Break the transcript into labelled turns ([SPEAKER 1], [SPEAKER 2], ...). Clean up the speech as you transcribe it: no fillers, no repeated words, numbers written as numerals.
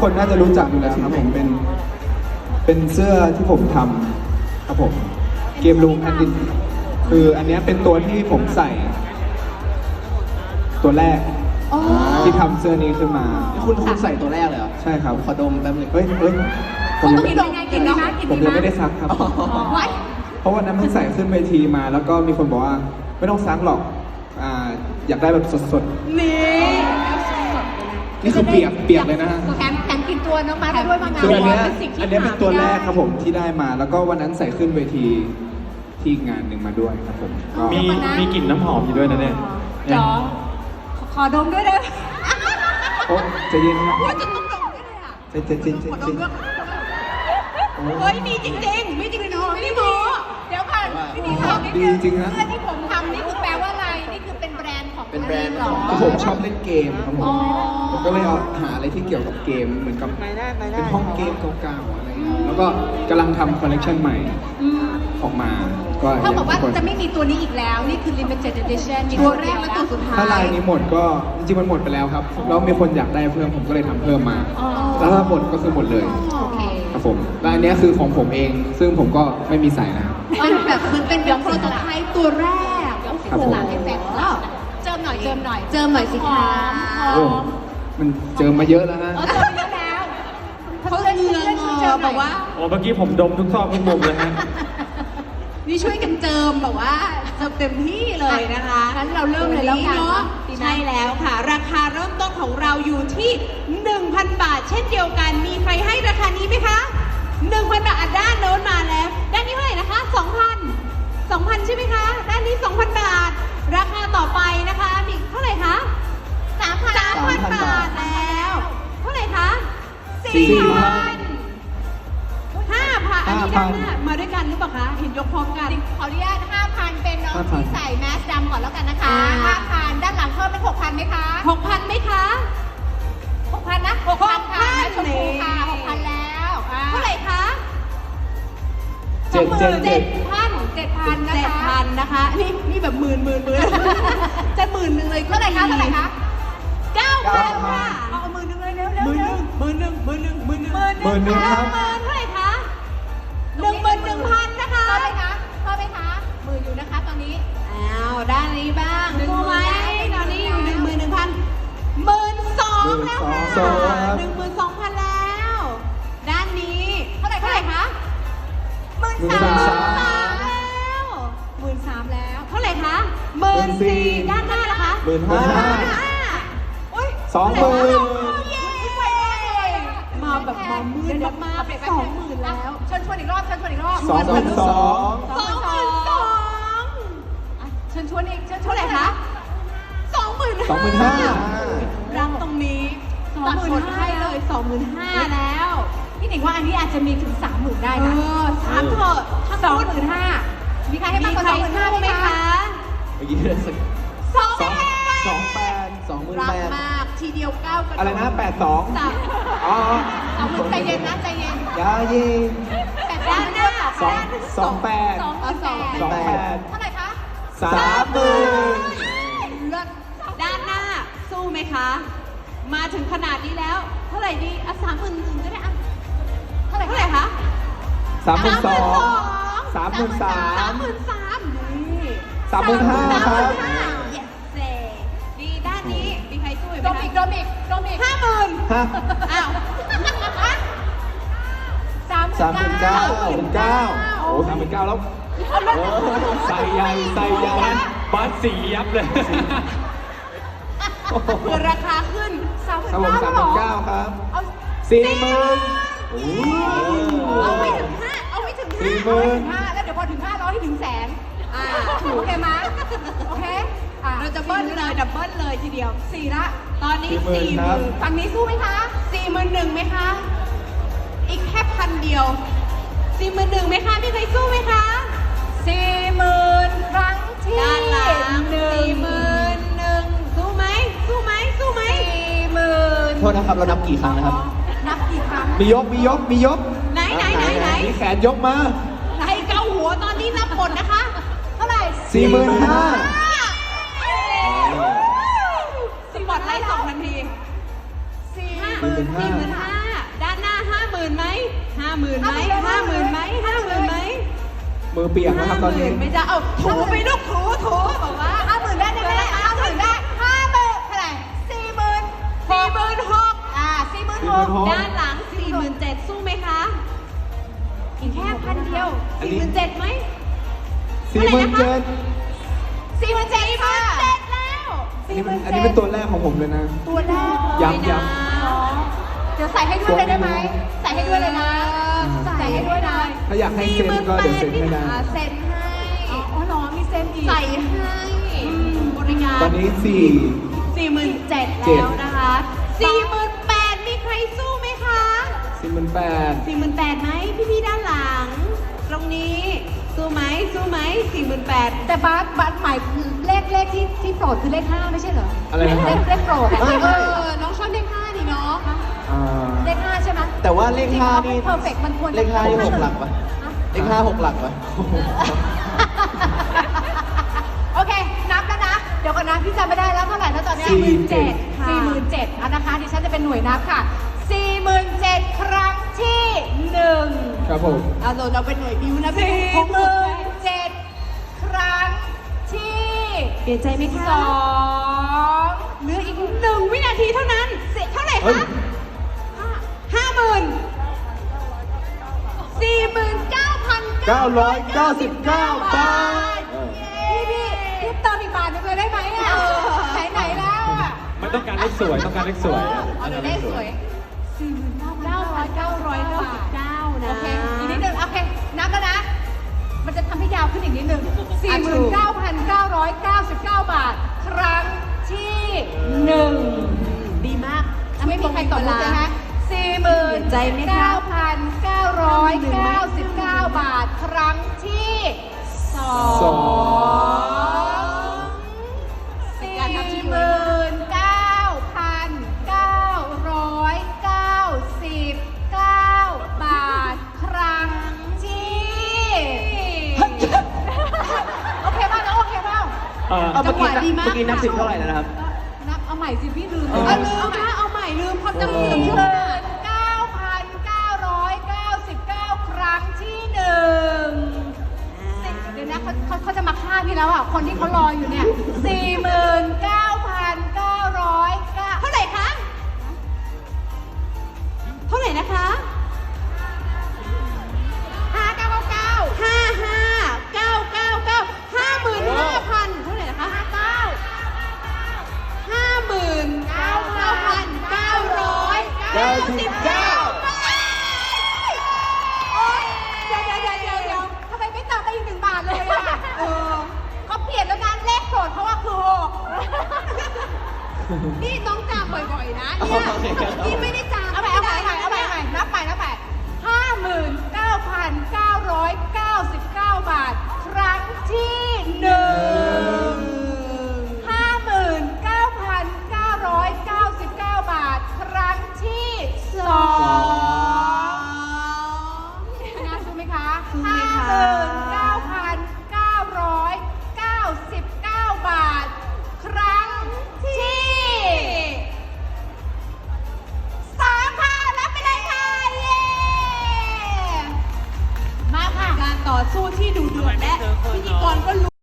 [SPEAKER 1] คนน่าจะรู้จักอยู่แล้วครับผมเป็นเสื้อที่ผมทำครับผมเกมรูมแอนดินคืออันนี้เป็นตัวที่ผมใส่ตัวแรกที่ทำเสื้อนี้ขึ้นมา
[SPEAKER 2] คุณใส่ตัวแรกเลยเหรอ
[SPEAKER 1] ใช่ครับ
[SPEAKER 2] ขอดมแป๊บนึง
[SPEAKER 1] เฮ้ย
[SPEAKER 3] ผมยัง
[SPEAKER 1] ไม่ได้ซักครับเพราะวันนั้นเพิ่งใส่ขึ้นเวทีมาแล้วก็มีคนบอกว่าไม่ต้องซักหรอกอยากได้แบบสดๆนี่คือเปียกเลยนะฮะ
[SPEAKER 3] แถมกินตัวน้องมาด้วยบางงาน
[SPEAKER 1] คืออันนี้เป็นตัวแรกครับผมที่ได้มาแล้วก็วันนั้นใส่ขึ้นเวทีที่งานหนึ่งมาด้วยครับผม
[SPEAKER 4] มีกลิ่นน้ำหอมอยู่ด้วยนะเนี่ย
[SPEAKER 3] จ๋อขอดมด้วยเลย
[SPEAKER 1] โอ้ใจเย็นครับ
[SPEAKER 3] จะต้องดมด้วยเลยอ่ะ
[SPEAKER 1] จริง
[SPEAKER 3] เฮ้ยมีจริงๆไม่จริงไม่ได้โม้เดี๋ยวก่อนพี่ดีทำนิดนึงเสื้อที่ผมทำนี่คือแปลว่าอะไรนี่คือเป็นแบรนด์ของ
[SPEAKER 1] คือผมชอบเล่นเกมครับผมก็เลยหาอะไรที่เกี่ยวกับเกมเหมือนกับเป็นห้องเกมเก่าๆอะไรแล้วก็กำลังทำคอลเลคชันใหม่ออกมาก็
[SPEAKER 3] เขาบอกว่าจะไม่มีตัวนี้อีกแล้วนี่คือ limited edition ตัวแรกและตัวสุดท้าย
[SPEAKER 1] ถ้าลายนี้หมดก็จริงๆมันหมดไปแล้วครับแล้วมีคนอยากได้เพิ่มผมก็เลยทำเพิ่มมาแล้วถ้าหมดก็คือหมดเลยครับผมและอันนี้คือของผมเองซึ่งผมก็ไม่มีใส่นะครับ
[SPEAKER 3] เป็นแบบเป็นโปรโตไทป์ตัวแรก
[SPEAKER 1] ครับผม
[SPEAKER 3] เจิมหน่อยสิคะ
[SPEAKER 1] มันเจอมาเยอะแล้วนะ
[SPEAKER 3] เจอมาเยอะแล้วเขาเลยเจิมแบบว่า
[SPEAKER 4] โอ้เมื่อกี้ผมดมทุกซอกทุกมุมเลยฮะ
[SPEAKER 3] นี่ช่วยกันเจิมแบบว่าเจิมเต็มที่เลยนะคะงั้นเราเริ่มเลยแล้วกัน
[SPEAKER 5] ใช่แล้วค่ะราคาเริ่มต้นของเราอยู่ที่ 1,000 บาทเช่นเดียวกันมีใครให้ราคานี้ไหมคะ 1,000 บาทด้านโน้นมาแล้วด้านนี้เท่าไหร่นะคะ 2,000 ใช่ไหมคะด้านนี้ 2,000 บาทราคาต่อไปนะคะมีเท่าไหร่คะ 3,000 บาทแล้วเท่าไหร่คะ 4,000 5,000 อันนี้ด้านหน้ามาด้วยกันหรือเปล่าคะเห็นยกพร้อมกัน
[SPEAKER 3] ขออนุญาต 5,000 เป็นน้องที่ใส่แมสดำก่อนแล้วกันนะคะ 5,000 ด้านหลังเพิ่มเป็น 6,000 ไหมคะ
[SPEAKER 5] 6,000 ไหมคะ
[SPEAKER 3] 6,000 นะ 6,000 ค่ะชมพูค่ะ 6,000 แล้ว
[SPEAKER 5] เท่าไหร่คะ
[SPEAKER 3] 7,000
[SPEAKER 5] นะคะนี่แบบหมื่นจะหมื่นหนึ่งเลย
[SPEAKER 3] เท่าไหร่คะ
[SPEAKER 5] 9,000 ค่ะ
[SPEAKER 3] เอาหมื่นหนึ่งเลยเร็ว
[SPEAKER 5] หมื่นหนึ่งครับเท่าไหร่คะ 11,000 นะคะ
[SPEAKER 3] เข้าไหมคะหมื่นอยู่นะคะตอนนี้
[SPEAKER 5] อ้าวด้านนี้บ้างรู้ไหมตอนนี้อยู่ 11,000 12,000 แล้วค่ะ 12,000 แล้วด้านนี้เท่าไหร่คะ 13,000 แล้ว
[SPEAKER 3] 13,000 แล้ว
[SPEAKER 5] เท่าไหร่คะ 14,000 ด้านหน้าล่ะคะ
[SPEAKER 1] 15,000
[SPEAKER 5] โอ๊ย
[SPEAKER 1] 20,000
[SPEAKER 5] เย้มาแบบมามืดมากๆ 20,000 แล้ว
[SPEAKER 3] เชิญชวนอีกรอบ
[SPEAKER 1] 22,000
[SPEAKER 3] เชิญชวนอีก
[SPEAKER 5] เท่าไหร่คะ
[SPEAKER 1] 25,000
[SPEAKER 5] รังตรงนี้ 25,000 ให้เลย 25,000 แล้ว
[SPEAKER 3] พี่หนิงว่าอันนี้อาจจะมีถึง 30,000 ได้นะ
[SPEAKER 5] 3เถอะ
[SPEAKER 3] 25,000มีใครให้มากกว่า 25,000 ไหมคะ
[SPEAKER 1] เมื่อกี้เลยสัก28,000
[SPEAKER 5] รักมากทีเดียว9กัน
[SPEAKER 1] อะไรนะ82อ๋อ
[SPEAKER 3] ใจเย็นนะใจเย็น
[SPEAKER 1] ยาเย็น
[SPEAKER 5] ด้านหน้า
[SPEAKER 1] 28,000
[SPEAKER 3] เท่าไหร่คะ
[SPEAKER 1] 30,000
[SPEAKER 5] ด้านหน้าสู้ไหมคะมาถึงขนาดนี้แล้วเท่าไหร่ดี30,000ก็ได้อะเท่าไหร่คะ
[SPEAKER 1] 32,000 33,000
[SPEAKER 5] นี่
[SPEAKER 1] 35,000 ครับ
[SPEAKER 5] ดีด้านนี้มีใครสู้ไหม
[SPEAKER 3] โดมิก
[SPEAKER 5] 50,000อ้าว
[SPEAKER 1] 39,000 โอ้ 39,000 แล้วใส่ใหญ่
[SPEAKER 4] บ้านสียับเลย
[SPEAKER 5] เพื่อราคาขึ้น
[SPEAKER 1] 39,000 ครับ 40,000
[SPEAKER 5] เอาไม่ถึง
[SPEAKER 3] 40,000 แล้วเดี๋ยวพอถึง 500 ให้ถึงแสนโอเคไหมโอเค
[SPEAKER 5] เราจะเบิ้ลเลยดับเบิ้ลเลยทีเดียว
[SPEAKER 3] 4ละ
[SPEAKER 5] ตอนนี้ 40,000
[SPEAKER 3] ฝั่งนี้สู้ไหมคะ
[SPEAKER 5] 41,000ไหมคะอีกแค่1,000 เดียว 41,000ไหมคะมีใครสู้ไหมคะ
[SPEAKER 3] 40,000 ครั้งที่
[SPEAKER 5] ด้านหลัง41,000สู้ไหม
[SPEAKER 1] โทษนะครับเรานับกี่ครั้งนะครับ
[SPEAKER 3] นับกี่ครั้ง
[SPEAKER 1] มียก
[SPEAKER 5] ไหน
[SPEAKER 1] มีแขนยกมา
[SPEAKER 5] ไหนเกาหัวตอนนี้นับหมดนะคะเท่าไหร่
[SPEAKER 1] 45,000
[SPEAKER 5] สปอตไลท์2 นาที
[SPEAKER 3] 45,000
[SPEAKER 5] 50,000ไหม50,000ไหม50,000ไหม50,000ไหม
[SPEAKER 1] มือเปียกนะครับตอนนี้
[SPEAKER 5] 50,000ไม่ได้เอาถูไปลูกถูบอกว่า
[SPEAKER 3] 50,000ได้ไหม50,000ได้50,000เท่าไหร่46,00046,000
[SPEAKER 5] ด้านหลัง 47,000สู้ไหมคะ อีกแค่พันเดียว
[SPEAKER 1] อันนี้
[SPEAKER 5] 47,000ไหม
[SPEAKER 1] 47,000
[SPEAKER 3] 47,000ค่ะแล้ว
[SPEAKER 1] อันนี้เป็นตัวแรกของผมเลยนะ
[SPEAKER 3] ตัวแรก
[SPEAKER 1] ย้ำ
[SPEAKER 3] เดี๋ยวใส่ให้ด้วยเลยได้ไหมใส่ให้ด้วยเลยนะใส่ให้ด้วยนะ
[SPEAKER 1] ถ้าอยากให้เซ็นก็เดี๋ยวเซ็นให้ได้
[SPEAKER 3] เซ็นให้อ๋อเหรอมีเซ็นอีก
[SPEAKER 5] ใส่ให้บริการ
[SPEAKER 1] ตอนนี้
[SPEAKER 5] 47,000แล้วนะคะ48,000มีใครสู้ไหมคะ
[SPEAKER 1] 48,000
[SPEAKER 5] 48,000ไหมพี่ๆด้านหลัง ตรงนี้สู้ไหม48,000
[SPEAKER 3] แต่บัสหมายเลขที่โปรดคือเลข5ไม่ใช่เหรอ
[SPEAKER 1] อะไรนะครับ
[SPEAKER 3] เลขโปรด
[SPEAKER 5] น้องชอบเลข5นี่เนาะ
[SPEAKER 1] อ่า
[SPEAKER 3] เลข5ใช่ไหม
[SPEAKER 2] แต่ว่าเลข5นี่
[SPEAKER 3] เพอร์เฟกมันควร
[SPEAKER 2] เลข5นี่6 หลักปะเลข5 6 หลักปะ
[SPEAKER 3] โอเค นับแล้วนะ เดี๋ยวก่อนนะ พี่จำไม่ได้แล้วเท่าไหร่แล้วตอนนี้
[SPEAKER 5] 47,000ค่ะ
[SPEAKER 3] 47,000อ่ะนะคะ ดิฉันจะเป็นหน่วยนับค่ะ 47,000 ครั้งที่1
[SPEAKER 1] ครับผม
[SPEAKER 5] เราเป็นหน่วยบิวนะพี่
[SPEAKER 3] 47,000 ครั้งที่
[SPEAKER 5] เปลี่ยนใจไหมคะ
[SPEAKER 3] 2
[SPEAKER 5] เหลืออีก1 วินาทีเท่านั้นเท่าไหร่
[SPEAKER 1] เฮ้ย
[SPEAKER 5] คะ50,000
[SPEAKER 3] 49,999
[SPEAKER 1] 999 บาท
[SPEAKER 3] พี่เติมอีกบาทนึงเลยได้ไหมอ่ะไหนแล้วอ่ะ
[SPEAKER 4] มันต้องการเลขสวยต้องการเลขสวยอะ
[SPEAKER 3] เอาเลขสวย
[SPEAKER 5] 9,999 นะ
[SPEAKER 3] โอเค อีกนิดนึง โอเค นับแล้วนะ มันจะทำให้ยาวขึ้นอีกนิดนึง 49,999 บาท ครั้งที่1
[SPEAKER 5] ดีมาก
[SPEAKER 3] ไม่มีใครตอบเลยนะ
[SPEAKER 5] ใจไหมคะ
[SPEAKER 3] 49,999 บาท ครั้งที่2
[SPEAKER 1] สอง
[SPEAKER 3] 49,999 บาท ครั้งที่โอเคป่ะแล้วโอเคป่ะ
[SPEAKER 2] เอาเมื่อกี้
[SPEAKER 5] จังหวะดีมาก
[SPEAKER 2] นับ10เท่าไหร่แล้วนะครับ
[SPEAKER 3] นับเอาใหม่สิพี่ลืม
[SPEAKER 5] เอาลืมนะเอาใหม่ลืมความจำเสื่อมใช่ไหม
[SPEAKER 3] 9,999 ครั้งที่1เดี๋ยวนะเขาจะมาฆ่าพี่แล้วอ่ะ คนที่เขารออยู่เนี่ย 49,909
[SPEAKER 5] เท่าไหร่คะ เท่าไหร่นะคะ
[SPEAKER 3] 5,999
[SPEAKER 5] 55,999 55,000 เท่าไหร่นะคะ 59,999
[SPEAKER 3] โอ๊ยเดี๋ยวทำไมไม่ตัดไปอีก1 บาทเลยอ่ะเขาเปลี่ยนแล้วนะเลขโสดเพราะว่าคือ6
[SPEAKER 5] นี่น้องจำบ่อยๆนะเนี่ย
[SPEAKER 2] โอเคครับ
[SPEAKER 5] นี่ไม่ได้จำ
[SPEAKER 3] เอาใหม่นับไป59,999 บาท ครั้งที่1